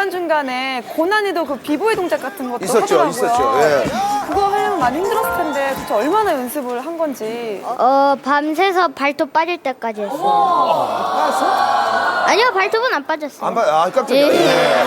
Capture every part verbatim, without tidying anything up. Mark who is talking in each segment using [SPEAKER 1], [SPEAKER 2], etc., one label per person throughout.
[SPEAKER 1] 중간중간에 고난이도 그 비보이 동작 같은 것도
[SPEAKER 2] 있었죠,
[SPEAKER 1] 하더라고요.
[SPEAKER 2] 있었죠. 예.
[SPEAKER 1] 그거 하려면 많이 힘들었을 텐데 도대체 얼마나 연습을 한 건지.
[SPEAKER 3] 어, 밤새서 발톱 빠질 때까지 했어요.
[SPEAKER 2] 알았어?
[SPEAKER 3] 아니요, 발톱은 안 빠졌어요.
[SPEAKER 2] 안 봐, 아, 깜짝이야.
[SPEAKER 3] 예.
[SPEAKER 2] 예.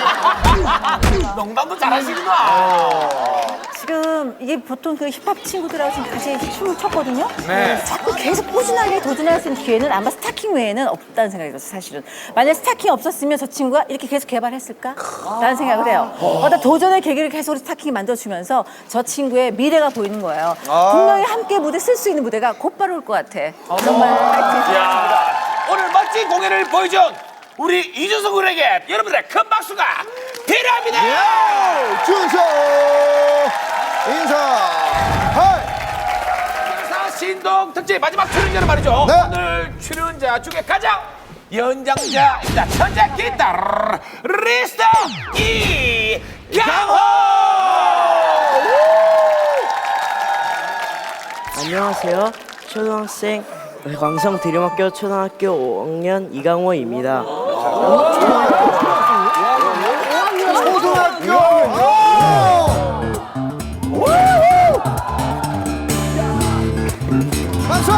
[SPEAKER 4] 농담도 잘하시구나.
[SPEAKER 5] 지금 이게 보통 그 힙합 친구들하고 지금 같이 춤을 췄거든요.
[SPEAKER 4] 네.
[SPEAKER 5] 자꾸 계속 꾸준하게 도전할 수 있는 기회는 아마 스타킹 외에는 없다는 생각이 들었어요, 사실은. 만약 스타킹 없었으면 저 친구가 이렇게 계속 개발했을까? 라는 생각을 해요. 어떤 도전의 계기를 계속 우리 스타킹이 만들어주면서 저 친구의 미래가 보이는 거예요.
[SPEAKER 2] 아.
[SPEAKER 5] 분명히 함께 무대 쓸 수 있는 무대가 곧바로 올 것 같아. 정말 파이팅.
[SPEAKER 4] 야, 오늘 멋진 공연을 보여준 우리 이준석 군에게 여러분들의 큰 박수가 필요합니다.
[SPEAKER 2] 예! 준서 인사. 하이.
[SPEAKER 4] 인사 신동 특집 마지막 출연자는 말이죠.
[SPEAKER 2] 네.
[SPEAKER 4] 오늘 출연자 중에 가장 연장자입니다. 천재 기타 리스터 이강호.
[SPEAKER 6] 안녕하세요. 초등학생 광성 드림학교 초등학교 오 학년 이강호입니다.
[SPEAKER 2] 초등학교. 박수!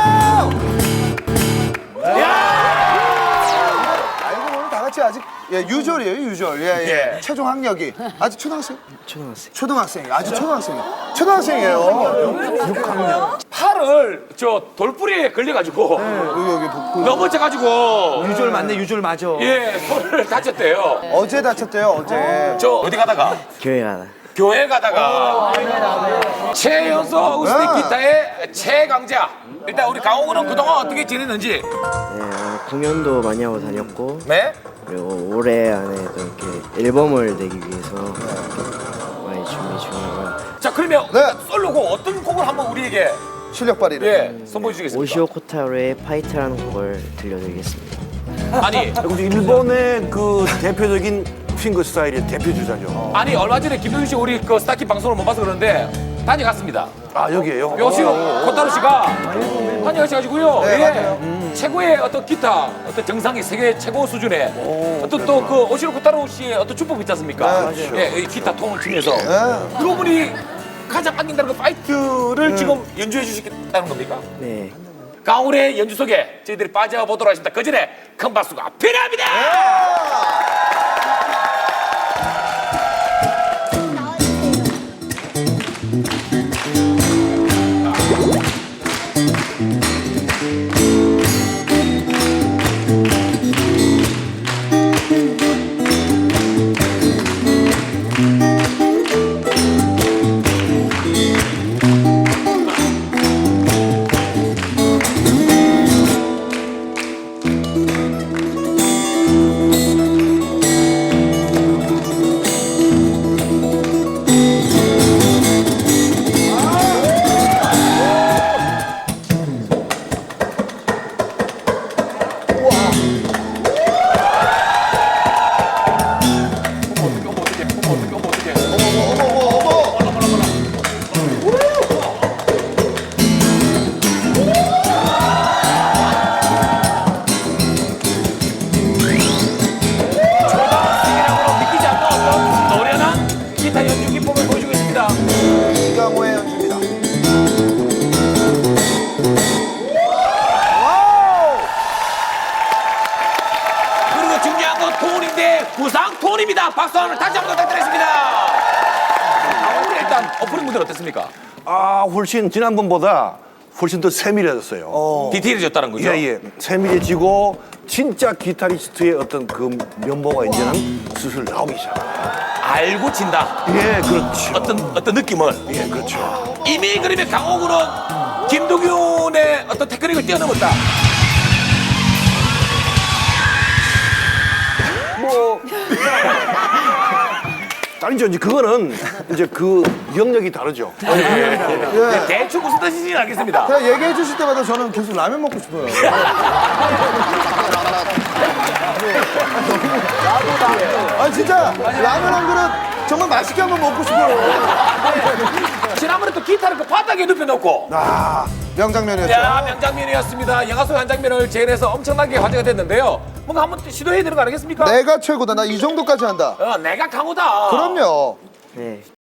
[SPEAKER 2] 알고 보면 다 같이 아직 예, 유졸이에요, 유졸. 예, 예.
[SPEAKER 4] 예.
[SPEAKER 2] 최종 학력이 아직 초등학생?
[SPEAKER 6] 초등학생.
[SPEAKER 2] 초등학생. 아직 초등학생이에요. 초등학생이에요. 육 학년.
[SPEAKER 4] 팔을 저 돌뿌리에 걸려가지고
[SPEAKER 2] 여기 여기 복부.
[SPEAKER 4] 넘어져가지고
[SPEAKER 7] 유졸 맞네, 유졸 맞아.
[SPEAKER 4] 예 손을 다쳤대요.
[SPEAKER 2] 어제 다쳤대요, 어제.
[SPEAKER 4] 저 어디 가다가
[SPEAKER 6] 교회 가다.
[SPEAKER 4] 교회 가다가 최연소 우스틱
[SPEAKER 2] 네.
[SPEAKER 4] 기타의 최강자. 일단 우리 강호군은 그동안 어떻게 지냈는지.
[SPEAKER 6] 네, 어, 공연도 많이 하고 다녔고
[SPEAKER 4] 네.
[SPEAKER 6] 그리고 올해 안에 또 이렇게 앨범을 내기 위해서 많이 준비 중이고요.
[SPEAKER 4] 자 그러면
[SPEAKER 2] 네.
[SPEAKER 4] 솔로곡 어떤 곡을 한번 우리에게
[SPEAKER 2] 실력 발휘를.
[SPEAKER 4] 예 선보여 주시겠습니까?
[SPEAKER 6] 오시오 코타로의 파이트라는 곡을 들려드리겠습니다.
[SPEAKER 4] 아니
[SPEAKER 7] 일본의 그 대표적인 핑거 스타일의 대표 주자죠.
[SPEAKER 4] 아니 얼마 전에 김동윤 씨 우리 그 스타킹 방송을 못 봐서 그러는데 다녀갔습니다.
[SPEAKER 7] 아, 여기에요?
[SPEAKER 4] 요시로 코타로 씨가 다녀가셔가지고요.
[SPEAKER 2] 네,
[SPEAKER 4] 예.
[SPEAKER 2] 맞아요.
[SPEAKER 4] 최고의 어떤 기타, 어떤 정상의 세계 최고 수준의 어떤 또 그 오시로 코타로 씨의 어떤 주법 있지 않습니까?
[SPEAKER 2] 네,
[SPEAKER 4] 예, 이 기타 통을 치면서
[SPEAKER 2] 네.
[SPEAKER 4] 그분이 가장 아낀다는 그 파이트를 지금 연주해 주시겠다는 겁니까?
[SPEAKER 6] 네.
[SPEAKER 4] 강훈의 연주 속에 저희들이 빠져보도록 하겠습니다. 그 전에 큰 박수가 필요합니다. 믿기지 않는 어떤 노련한 기타 연주 기법을 보여주겠습니다.
[SPEAKER 2] 이강호의 연주입니다. 와우!
[SPEAKER 4] 그리고 중요한 건 톤인데 구상 톤입니다. 박수 한번 다시 한번 부탁드리겠습니다. 아, 오늘 일단 오프닝 무대 어땠습니까?
[SPEAKER 7] 아, 훨씬 지난번보다 훨씬 더 세밀해졌어요.
[SPEAKER 4] 디테일해졌다는 거죠?
[SPEAKER 7] 예, 예. 세밀해지고 진짜 기타리스트의 어떤 그 면모가 이제는 슬슬 나오기 시작합니다.
[SPEAKER 4] 알고 친다.
[SPEAKER 7] 예, 그렇죠.
[SPEAKER 4] 어떤 어떤 느낌을.
[SPEAKER 7] 예, 그렇죠.
[SPEAKER 4] 이미 그러면 강호군은 김도균의 어떤 테크닉을 뛰어넘었다.
[SPEAKER 7] 뭐 아니죠. 이제 그거는 이제 그 영역이 다르죠.
[SPEAKER 2] 예.
[SPEAKER 4] 대충 무슨 뜻인지 알겠습니다.
[SPEAKER 2] 그냥 얘기해 주실 때마다 저는 계속 라면 먹고 싶어요. 아 진짜 라면 한 그릇 정말 맛있게 한번 먹고 싶어요.
[SPEAKER 4] 지난번에 또 기타를 그 바닥에 눕혀놓고
[SPEAKER 2] 아 명장면이었죠.
[SPEAKER 4] 야, 명장면이었습니다. 영화 속 한 장면을 재현해서 엄청나게 화제가 됐는데요. 뭔가 한번 시도해야 되는 거 아니겠습니까?
[SPEAKER 2] 내가 최고다. 나 이 정도까지 한다.
[SPEAKER 4] 어, 내가 강호다.
[SPEAKER 2] 그럼요.
[SPEAKER 6] 네.